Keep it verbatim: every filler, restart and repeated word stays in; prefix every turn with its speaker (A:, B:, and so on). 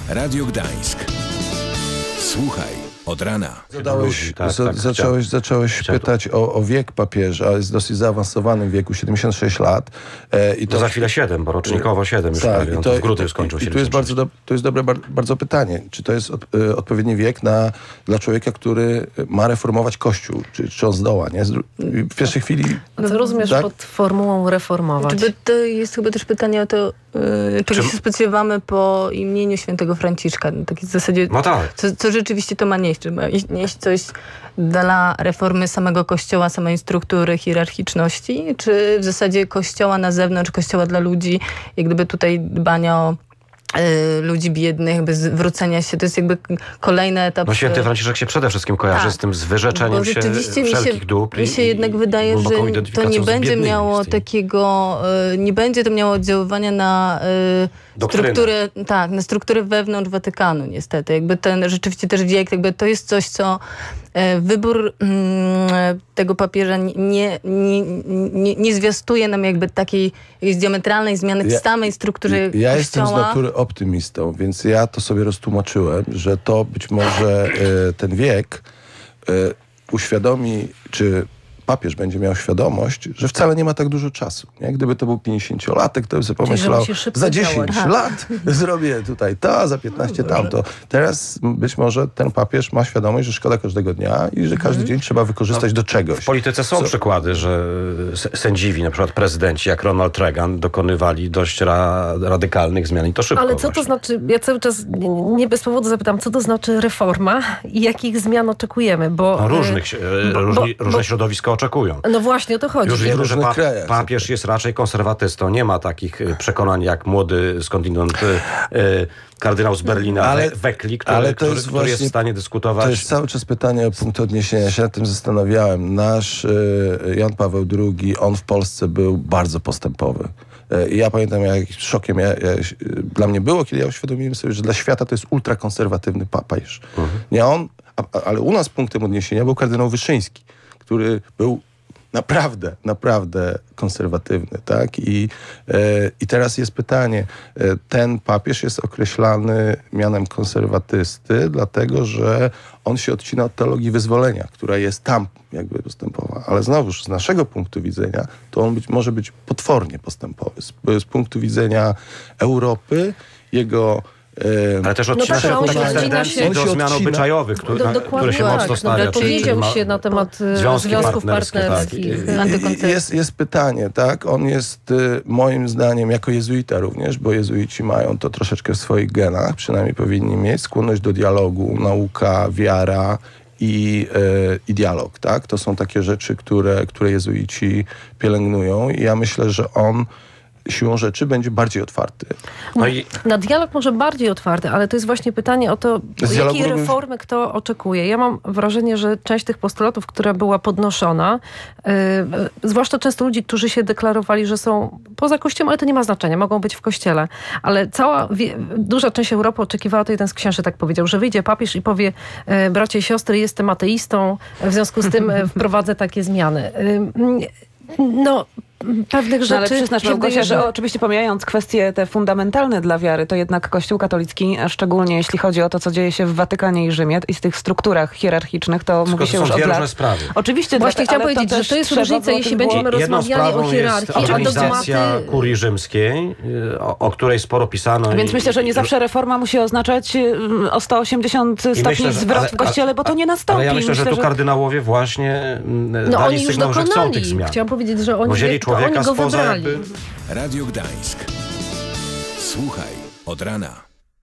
A: Radio Gdańsk. Słuchaj od rana.
B: Zadałeś, tak, za, tak, zacząłeś zacząłeś pytać o, o wiek papieża. Jest w dosyć zaawansowanym wieku, siedemdziesiąt sześć lat. E, i to
C: no za chwilę siedem, bo rocznikowo siedem już
B: tak,
C: prawie.
B: I to,
C: w grudniu
B: i,
C: skończył
B: i,
C: się.
B: I tu jest bardzo, do, to jest dobre bar, bardzo pytanie. Czy to jest od, y, odpowiedni wiek na, dla człowieka, który ma reformować Kościół? Czy, czy on zdoła? Nie? W pierwszej chwili...
D: A co rozumiesz tak? pod formułą reformować?
E: Czy to jest chyba też pytanie o to, yy, czego
C: Czy...
E: się spodziewamy po imieniu świętego Franciszka. No, tak w zasadzie,
C: no tak.
E: co, co rzeczywiście to ma nieść. Czy ma nieść coś dla reformy samego Kościoła, samej struktury, hierarchiczności, czy w zasadzie Kościoła na zewnątrz, Kościoła dla ludzi, jak gdyby tutaj dbania o y, ludzi biednych, jakby zwrócenia się, to jest jakby kolejny etap.
C: No święty Franciszek się przede wszystkim kojarzy tak, z tym, z wyrzeczeniem się wszelkich dóbr.
E: Mi się jednak wydaje, że to nie będzie miało takiego, y, nie będzie to miało oddziaływania na y, strukturę, tak, na strukturę wewnątrz Watykanu niestety. Jakby ten rzeczywiście też wiek, jakby to jest coś, co y, wybór y, tego papieża nie, nie, nie, nie zwiastuje nam jakby takiej diametralnej zmiany w
B: ja,
E: samej strukturze
B: ja
E: Kościoła.
B: Ja jestem z natury optymistą, więc ja to sobie roztłumaczyłem, że to być może y, ten wiek y, uświadomi, czy papież będzie miał świadomość, że wcale nie ma tak dużo czasu. Nie? Gdyby to był pięćdziesięciolatek, to by sobie pomyślał, za dziesięć lat zrobię tutaj to, a za piętnaście tamto. Teraz być może ten papież ma świadomość, że szkoda każdego dnia i że każdy hmm. dzień trzeba wykorzystać no, do czegoś.
C: W polityce są Co? przykłady, że sędziwi, na przykład prezydenci, jak Ronald Reagan, dokonywali dość ra radykalnych zmian i to szybko.
D: Ale co
C: właśnie.
D: to znaczy, ja cały czas nie, nie bez powodu zapytam, co to znaczy reforma i jakich zmian oczekujemy, bo...
C: No, różnych, bo, różni, bo, różne bo, środowiska oczekują.
D: No właśnie o to chodzi.
C: Już wiemy, że pa papież jest raczej konserwatystą. Nie ma takich przekonań jak młody skądinąd y, kardynał z Berlina, ale, Weckli, który,
B: ale to
C: który,
B: jest
C: który
B: właśnie,
C: jest w stanie dyskutować.
B: To jest cały czas pytanie o punkt odniesienia. Ja się nad tym zastanawiałem. Nasz y, Jan Paweł drugi, on w Polsce był bardzo postępowy. I ja pamiętam, jak szokiem ja, ja, dla mnie było, kiedy ja uświadomiłem sobie, że dla świata to jest ultrakonserwatywny papież. Mhm. Nie on, a, ale u nas punktem odniesienia był kardynał Wyszyński, który był naprawdę, naprawdę konserwatywny, tak? I, e, i teraz jest pytanie, e, ten papież jest określany mianem konserwatysty, dlatego, że on się odcina od teologii wyzwolenia, która jest tam jakby postępowa. Ale znowuż z naszego punktu widzenia, to on być, może być potwornie postępowy. Z, z punktu widzenia Europy, jego
C: ale też odcina
D: no tak,
C: się od
D: takich
C: tendencji do zmian obyczajowych, które, do, które się
D: tak,
C: mocno stawia.
D: No, powiedział się na temat związki związków partnerskich.
B: partnerskich. Tak. Jest, jest pytanie, tak? On jest moim zdaniem jako jezuita również, bo jezuici mają to troszeczkę w swoich genach, przynajmniej powinni mieć skłonność do dialogu, nauka, wiara i, yy, i dialog, tak? To są takie rzeczy, które, które jezuici pielęgnują i ja myślę, że on siłą rzeczy będzie bardziej otwarty.
D: No i... Na dialog może bardziej otwarty, ale to jest właśnie pytanie o to, jakiej reformy kto oczekuje. Ja mam wrażenie, że część tych postulatów, która była podnoszona, yy, zwłaszcza często ludzi, którzy się deklarowali, że są poza Kościołem, ale to nie ma znaczenia, mogą być w Kościele. Ale cała, wie, duża część Europy oczekiwała, to jeden z księży tak powiedział, że wyjdzie papież i powie, yy, bracia i siostry, jestem ateistą, w związku z tym wprowadzę takie zmiany. Yy, no... pewnych rzeczy...
F: No, ale przyznasz, Małgosia, że oczywiście pomijając kwestie te fundamentalne dla wiary, to jednak Kościół katolicki, a szczególnie jeśli chodzi o to, co dzieje się w Watykanie i Rzymie i z tych strukturach hierarchicznych, to
C: Tylko
F: mówi się
C: to
F: już
C: są
F: od
C: dwie
F: lat.
C: różne sprawy.
F: Oczywiście,
D: właśnie chciałam powiedzieć, że to jest różnica, jeśli będziemy rozmawiali o hierarchii, a
C: organizacja kurii rzymskiej, o, o której sporo pisano.
F: Więc
C: i,
F: myślę, że nie
C: i,
F: zawsze reforma musi oznaczać o sto osiemdziesiąt stopni myślę, że, zwrot ale, w Kościele, bo to nie nastąpi.
C: Ale ja myślę,
F: myślę
C: że tu
F: że...
C: kardynałowie właśnie
D: no
C: dali
D: oni
C: sygnał,
D: już
C: że chcą tych zmian.
D: Chciałam powiedzieć, że oni,
C: wzięli człowieka
D: oni go
C: spoza
D: wybrali.
A: Radio Gdańsk. Słuchaj od rana.